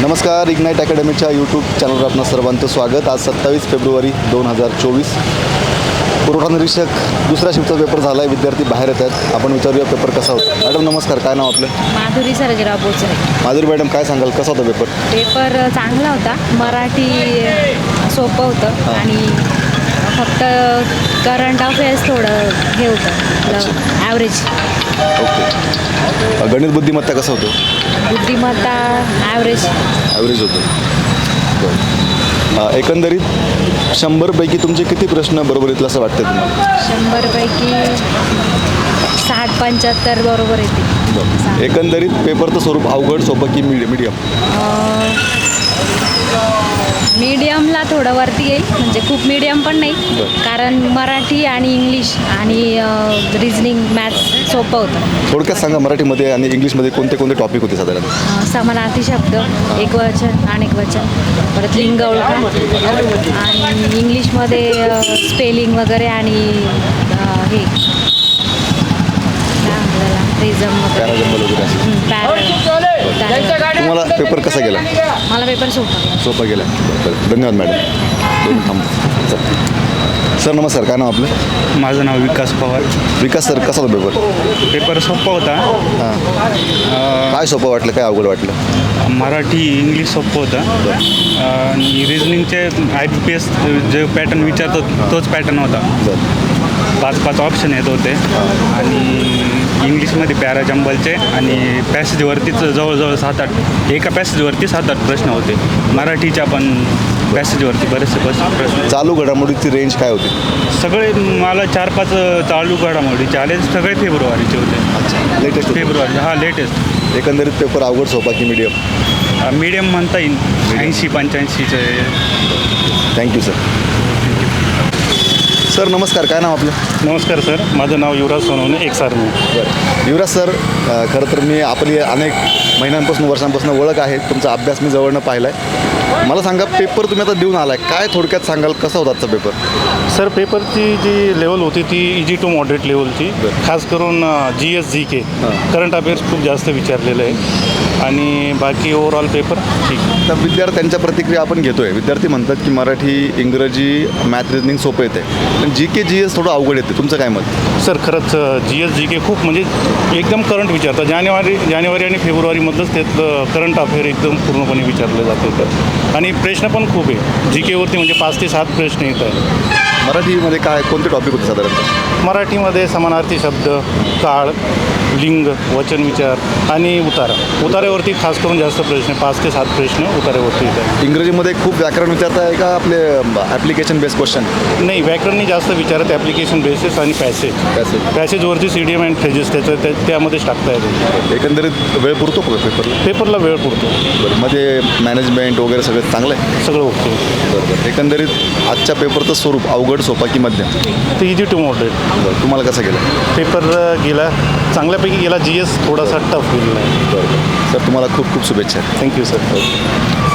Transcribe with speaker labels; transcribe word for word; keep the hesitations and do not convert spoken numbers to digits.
Speaker 1: नमस्कार, ignite अकॅडमीच्या YouTube चॅनलवर आपणा सर्वांचं स्वागत. आज सत्तावीस फेब्रुवारी दोन हजार चोवीस. पुरवठा निरीक्षक दुसऱ्या शिफ्टचा पेपर झाला आहे. विद्यार्थी बाहेर येत आहेत. आपण विचारूया पेपर कसा होता. मॅडम नमस्कार, काय नाव आपलं?
Speaker 2: माधुरी सर्जेराव बोचरे.
Speaker 1: माधुरी मॅडम, काय सांगाल, कसा होता पेपर?
Speaker 2: पेपर चांगला होता. मराठी सोपं होतं आणि फक्त करंट अफेअर्स थोडं हे होतं, ॲव्हरेज.
Speaker 1: ओके. गणित बुद्धिमत्ता कसं होतं?
Speaker 2: बुद्धिमत्ता ॲव्हरेज
Speaker 1: ॲव्हरेज होतं. बरं. एकंदरीत शंभरपैकी तुमचे किती प्रश्न बरोबर येतील असं वाटतं तुम्हाला?
Speaker 2: शंभरपैकी साठ पंच्याहत्तर बरोबर येते.
Speaker 1: एकंदरीत पेपरचं स्वरूप अवघड, सोपं की मीडियम?
Speaker 2: मीडियमला थोडं वरती येईल, म्हणजे खूप मीडियम पण नाही, कारण मराठी आणि इंग्लिश आणि रिजनिंग मॅथ्स सोपं होतं.
Speaker 1: थोडक्यात सांगा, मराठीमध्ये आणि इंग्लिशमध्ये कोणते कोणते टॉपिक होते साधारण?
Speaker 2: समानार्थी शब्द, एकवचन, अनेकवचन, परत लिंग ओळखा, आणि इंग्लिशमध्ये स्पेलिंग वगैरे आणि हे रिझम वगैरे.
Speaker 1: तुम्हाला पेपर कसा गेला?
Speaker 2: मला पेपर सोपा
Speaker 1: सोपा गेला. धन्यवाद मॅडम. थांब सर, नमस्कार, काय नाव आपलं?
Speaker 3: माझं नाव विकास पवार.
Speaker 1: विकास सर, कसा होता पेपर?
Speaker 3: पेपर सोपा होता.
Speaker 1: हां. काय सोपं वाटलं, काय अवघड वाटलं?
Speaker 3: मराठी इंग्लिश सोपं होतं आणि रिजनिंगचे आय पी पी एस जे पॅटर्न विचारतो तोच पॅटर्न होता. पाच पाच ऑप्शन येत होते आणि इंग्लिशमध्ये पॅरा जंबलचे आणि पॅसेजवरतीच जवळजवळ सात आठ एका पॅसेजवरती सात आठ प्रश्न होते. मराठीच्या पण पॅसेजवरती बरेचसे प्रश्न.
Speaker 1: चालू घडामोडीची रेंज काय होती?
Speaker 3: सगळे मला चार पाच चालू घडामोडीचे आले, सगळे फेब्रुवारीचे होते.
Speaker 1: लेटेस्ट
Speaker 3: फेब्रुवारी हा लेटेस्ट.
Speaker 1: एकंदरीत पेपर अवघड, सोपा की मीडियम?
Speaker 3: मीडियम म्हणता येईल. ऐंशी पंच्याऐंशीचे.
Speaker 1: Thank you sir. सर नमस्कार, काय नाव आपलं?
Speaker 4: नमस्कार सर, माझं नाव युवराज सोनवणे, एक सारणी.
Speaker 1: बरं. युवराज सर, खरं तर मी आपली अनेक महिन्यांपासून वर्षांपासून ओळख आहे. तुमचा अभ्यास मी जवळनं पाहिला आहे. मला सांगा, पेपर तुम्ही आता देऊन आला आहे, काय थोडक्यात सांगाल, कसा होता आजचा पेपर?
Speaker 4: सर, पेपरची जी लेवल होती ती इजी टू मॉडरेट लेवलची. खास करून G S G K current affairs खूप जास्त विचारलेलं आहे आणि बाकी ओव्हरऑल पेपर ठीक.
Speaker 1: तर विद्यार्थ्यांच्या प्रतिक्रिया आपण घेतो आहे. विद्यार्थी म्हणतात की मराठी, इंग्रजी, मॅथ, रिजनिंग सोपं येते, पण जी के जी एस थोडं अवघड येते. तुमचं काय मत?
Speaker 4: सर, खरंच जी एस जी के खूप म्हणजे एकदम करंट विचारतात. जानेवारी जानेवारी आणि फेब्रुवारीमधलंच त्यातलं करंट अफेअर एकदम पूर्णपणे विचारलं जातं तर. आणि प्रश्न पण खूप आहे जी केवरती, म्हणजे पाच ते सात प्रश्न येत आहेत.
Speaker 1: मराठीमध्ये काय कोणते टॉपिक होते साधारणतः?
Speaker 4: मराठीमध्ये समानार्थी शब्द, काळ, लिंग, वचन विचार आणि उतारा. उतार्यावरती खास करून जास्त प्रश्न, पाच ते सात प्रश्न उतार्यावरती येतात.
Speaker 1: इंग्रजीमध्ये खूप व्याकरण विचारत आहे का आपले ॲप्लिकेशन बेस्ड क्वेश्चन?
Speaker 4: नाही, व्याकरणनी जास्त विचारत, ॲप्लिकेशन बेसिस आणि पॅसेज.
Speaker 1: पॅसेज
Speaker 4: पॅसेजवरती C D M and phrases त्याचं त्या त्यामध्येच टाकता येतं.
Speaker 1: एकंदरीत वेळ पुरतो का पेपरला?
Speaker 4: पेपरला वेळ पुरतो.
Speaker 1: बरं. मध्ये मॅनेजमेंट वगैरे सगळं चांगलं आहे?
Speaker 4: सगळं ओके.
Speaker 1: बरोबर. एकंदरीत आजच्या पेपरचं स्वरूप अवघड, सोपा की मध्यम?
Speaker 4: तर इजी टू मॉडरेट.
Speaker 1: बरं. तुम्हाला कसं गेलं
Speaker 4: पेपर? गेला चांगल्यापैकी गेला. जी एस थोडासा टफ गेलेला आहे.
Speaker 1: बरोबर. सर, तुम्हाला खूप खूप शुभेच्छा.
Speaker 4: Thank you sir.